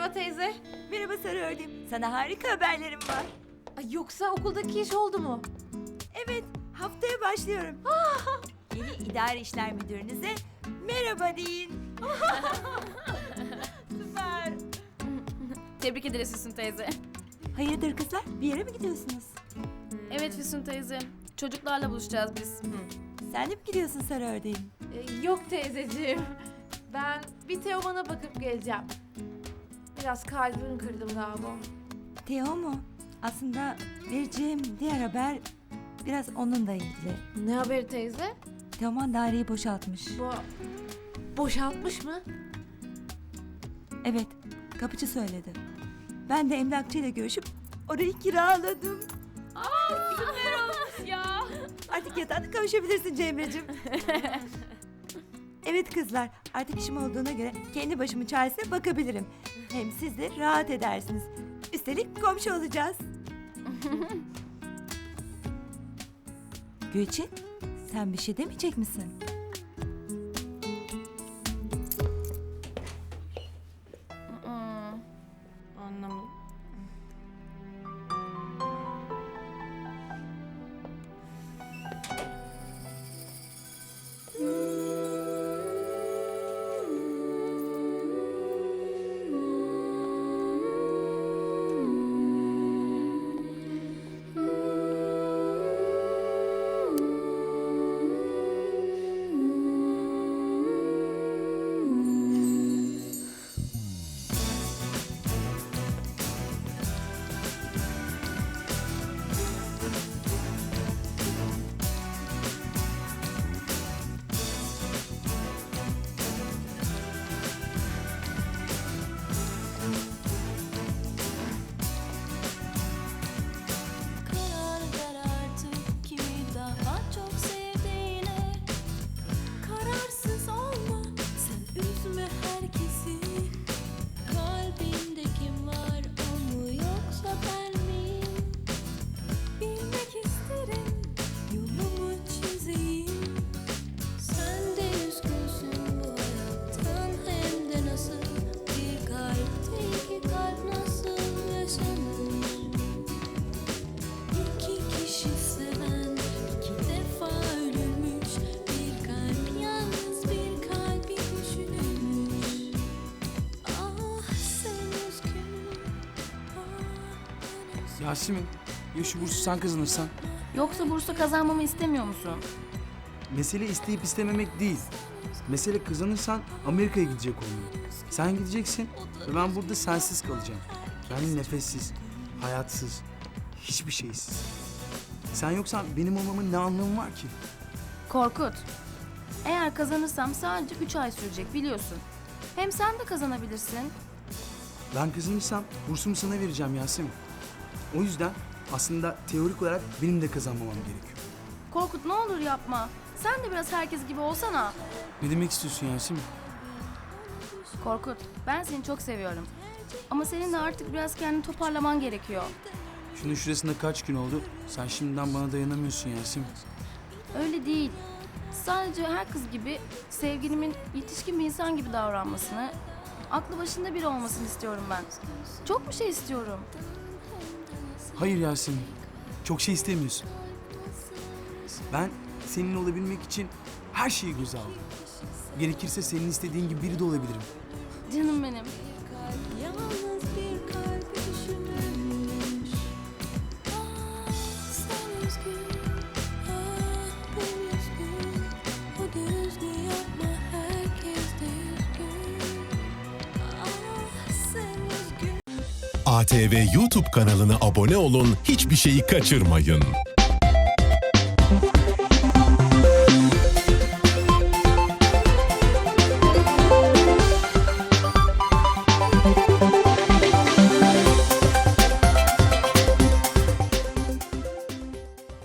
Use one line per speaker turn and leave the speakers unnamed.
Merhaba teyze.
Merhaba Sarı Ördüm. Sana harika haberlerim var.
Ay, yoksa okuldaki iş oldu mu?
Evet, haftaya başlıyorum. Yeni idare işler müdürünüze merhaba deyin.
Süper.
Tebrik ederiz Füsun teyze.
Hayırdır kızlar? Bir yere mi gidiyorsunuz?
Evet Füsun teyze. Çocuklarla buluşacağız biz.
Sen de mi gidiyorsun Sarı Ördeğim?
Yok teyzeciğim. Ben bir Teoman'a bakıp geleceğim. Biraz kalbimi kırdım galiba.
Teo mu? Aslında vereceğim diğer haber biraz onunla ilgili.
Ne haberi teyze?
Teoman daireyi boşaltmış.
Boşaltmış mı?
Evet, kapıcı söyledi. Ben de emlakçıyla görüşüp orayı kiraladım.
Ya.
Artık yatağına kavuşabilirsin Cemre'cim. Evet kızlar, artık işim olduğuna göre kendi başımın çaresine bakabilirim. Hem siz de rahat edersiniz. Üstelik komşu olacağız. Gülçin, sen bir şey demeyecek misin?
Anlamadım.
Karar ver artık kimi daha çok sevdiğine. Kararsız olma, sen üzme herkesi. Kalbinde kim var, o mu yoksa ben miyim? Bilmek isterim, yolumu çizeyim. Sen de üzgünsün bu hayattan, hem de nasıl. Bir kalpte iki kalp nasıl yaşanır? İki kişi seven iki defa ölürmüş. Bir kalp yalnız bir kalbi düşünürmüş. Ah sen üzgün, ah ben üzgün.
Yasemin, ya şu bursu sen kazanırsan?
Yoksa bursu kazanmamı istemiyor musun?
Mesele isteyip istememek değil. Mesele kazanırsan Amerika'ya gidecek olman. Sen gideceksin ve ben burada sensiz kalacağım. Yani nefessiz, hayatsız, hiçbir şeysiz. Sen yoksan benim olmamın ne anlamı var ki?
Korkut. Eğer kazanırsam sadece 3 ay sürecek biliyorsun. Hem sen de kazanabilirsin.
Ben kazanırsam bursumu sana vereceğim Yasemin. O yüzden aslında teorik olarak benim de kazanmamam gerekiyor.
Korkut ne olur yapma. Sen de biraz herkes gibi olsana.
Ne demek istiyorsun Yasemin?
Korkut, ben seni çok seviyorum. Ama senin de artık biraz kendini toparlaman gerekiyor.
Şunun şurasında kaç gün oldu? Sen şimdiden bana dayanamıyorsun Yasemin.
Öyle değil. Sadece her kız gibi sevgilimin yetişkin bir insan gibi davranmasını, aklı başında biri olmasını istiyorum ben. Çok bir şey istiyorum.
Hayır Yasemin, çok şey istemiyorsun. Ben seninle olabilmek için her şeyi göze aldım. Gerekirse senin istediğin gibi biri de olabilirim.
Canım benim.
Yalnız bir kalp düşünürmüş. Ah sen üzgün, ah ben üzgün. O da üzgün, yapma herkes de üzgün. Ah sen üzgün.
ATV YouTube kanalına abone olun, hiçbir şeyi kaçırmayın.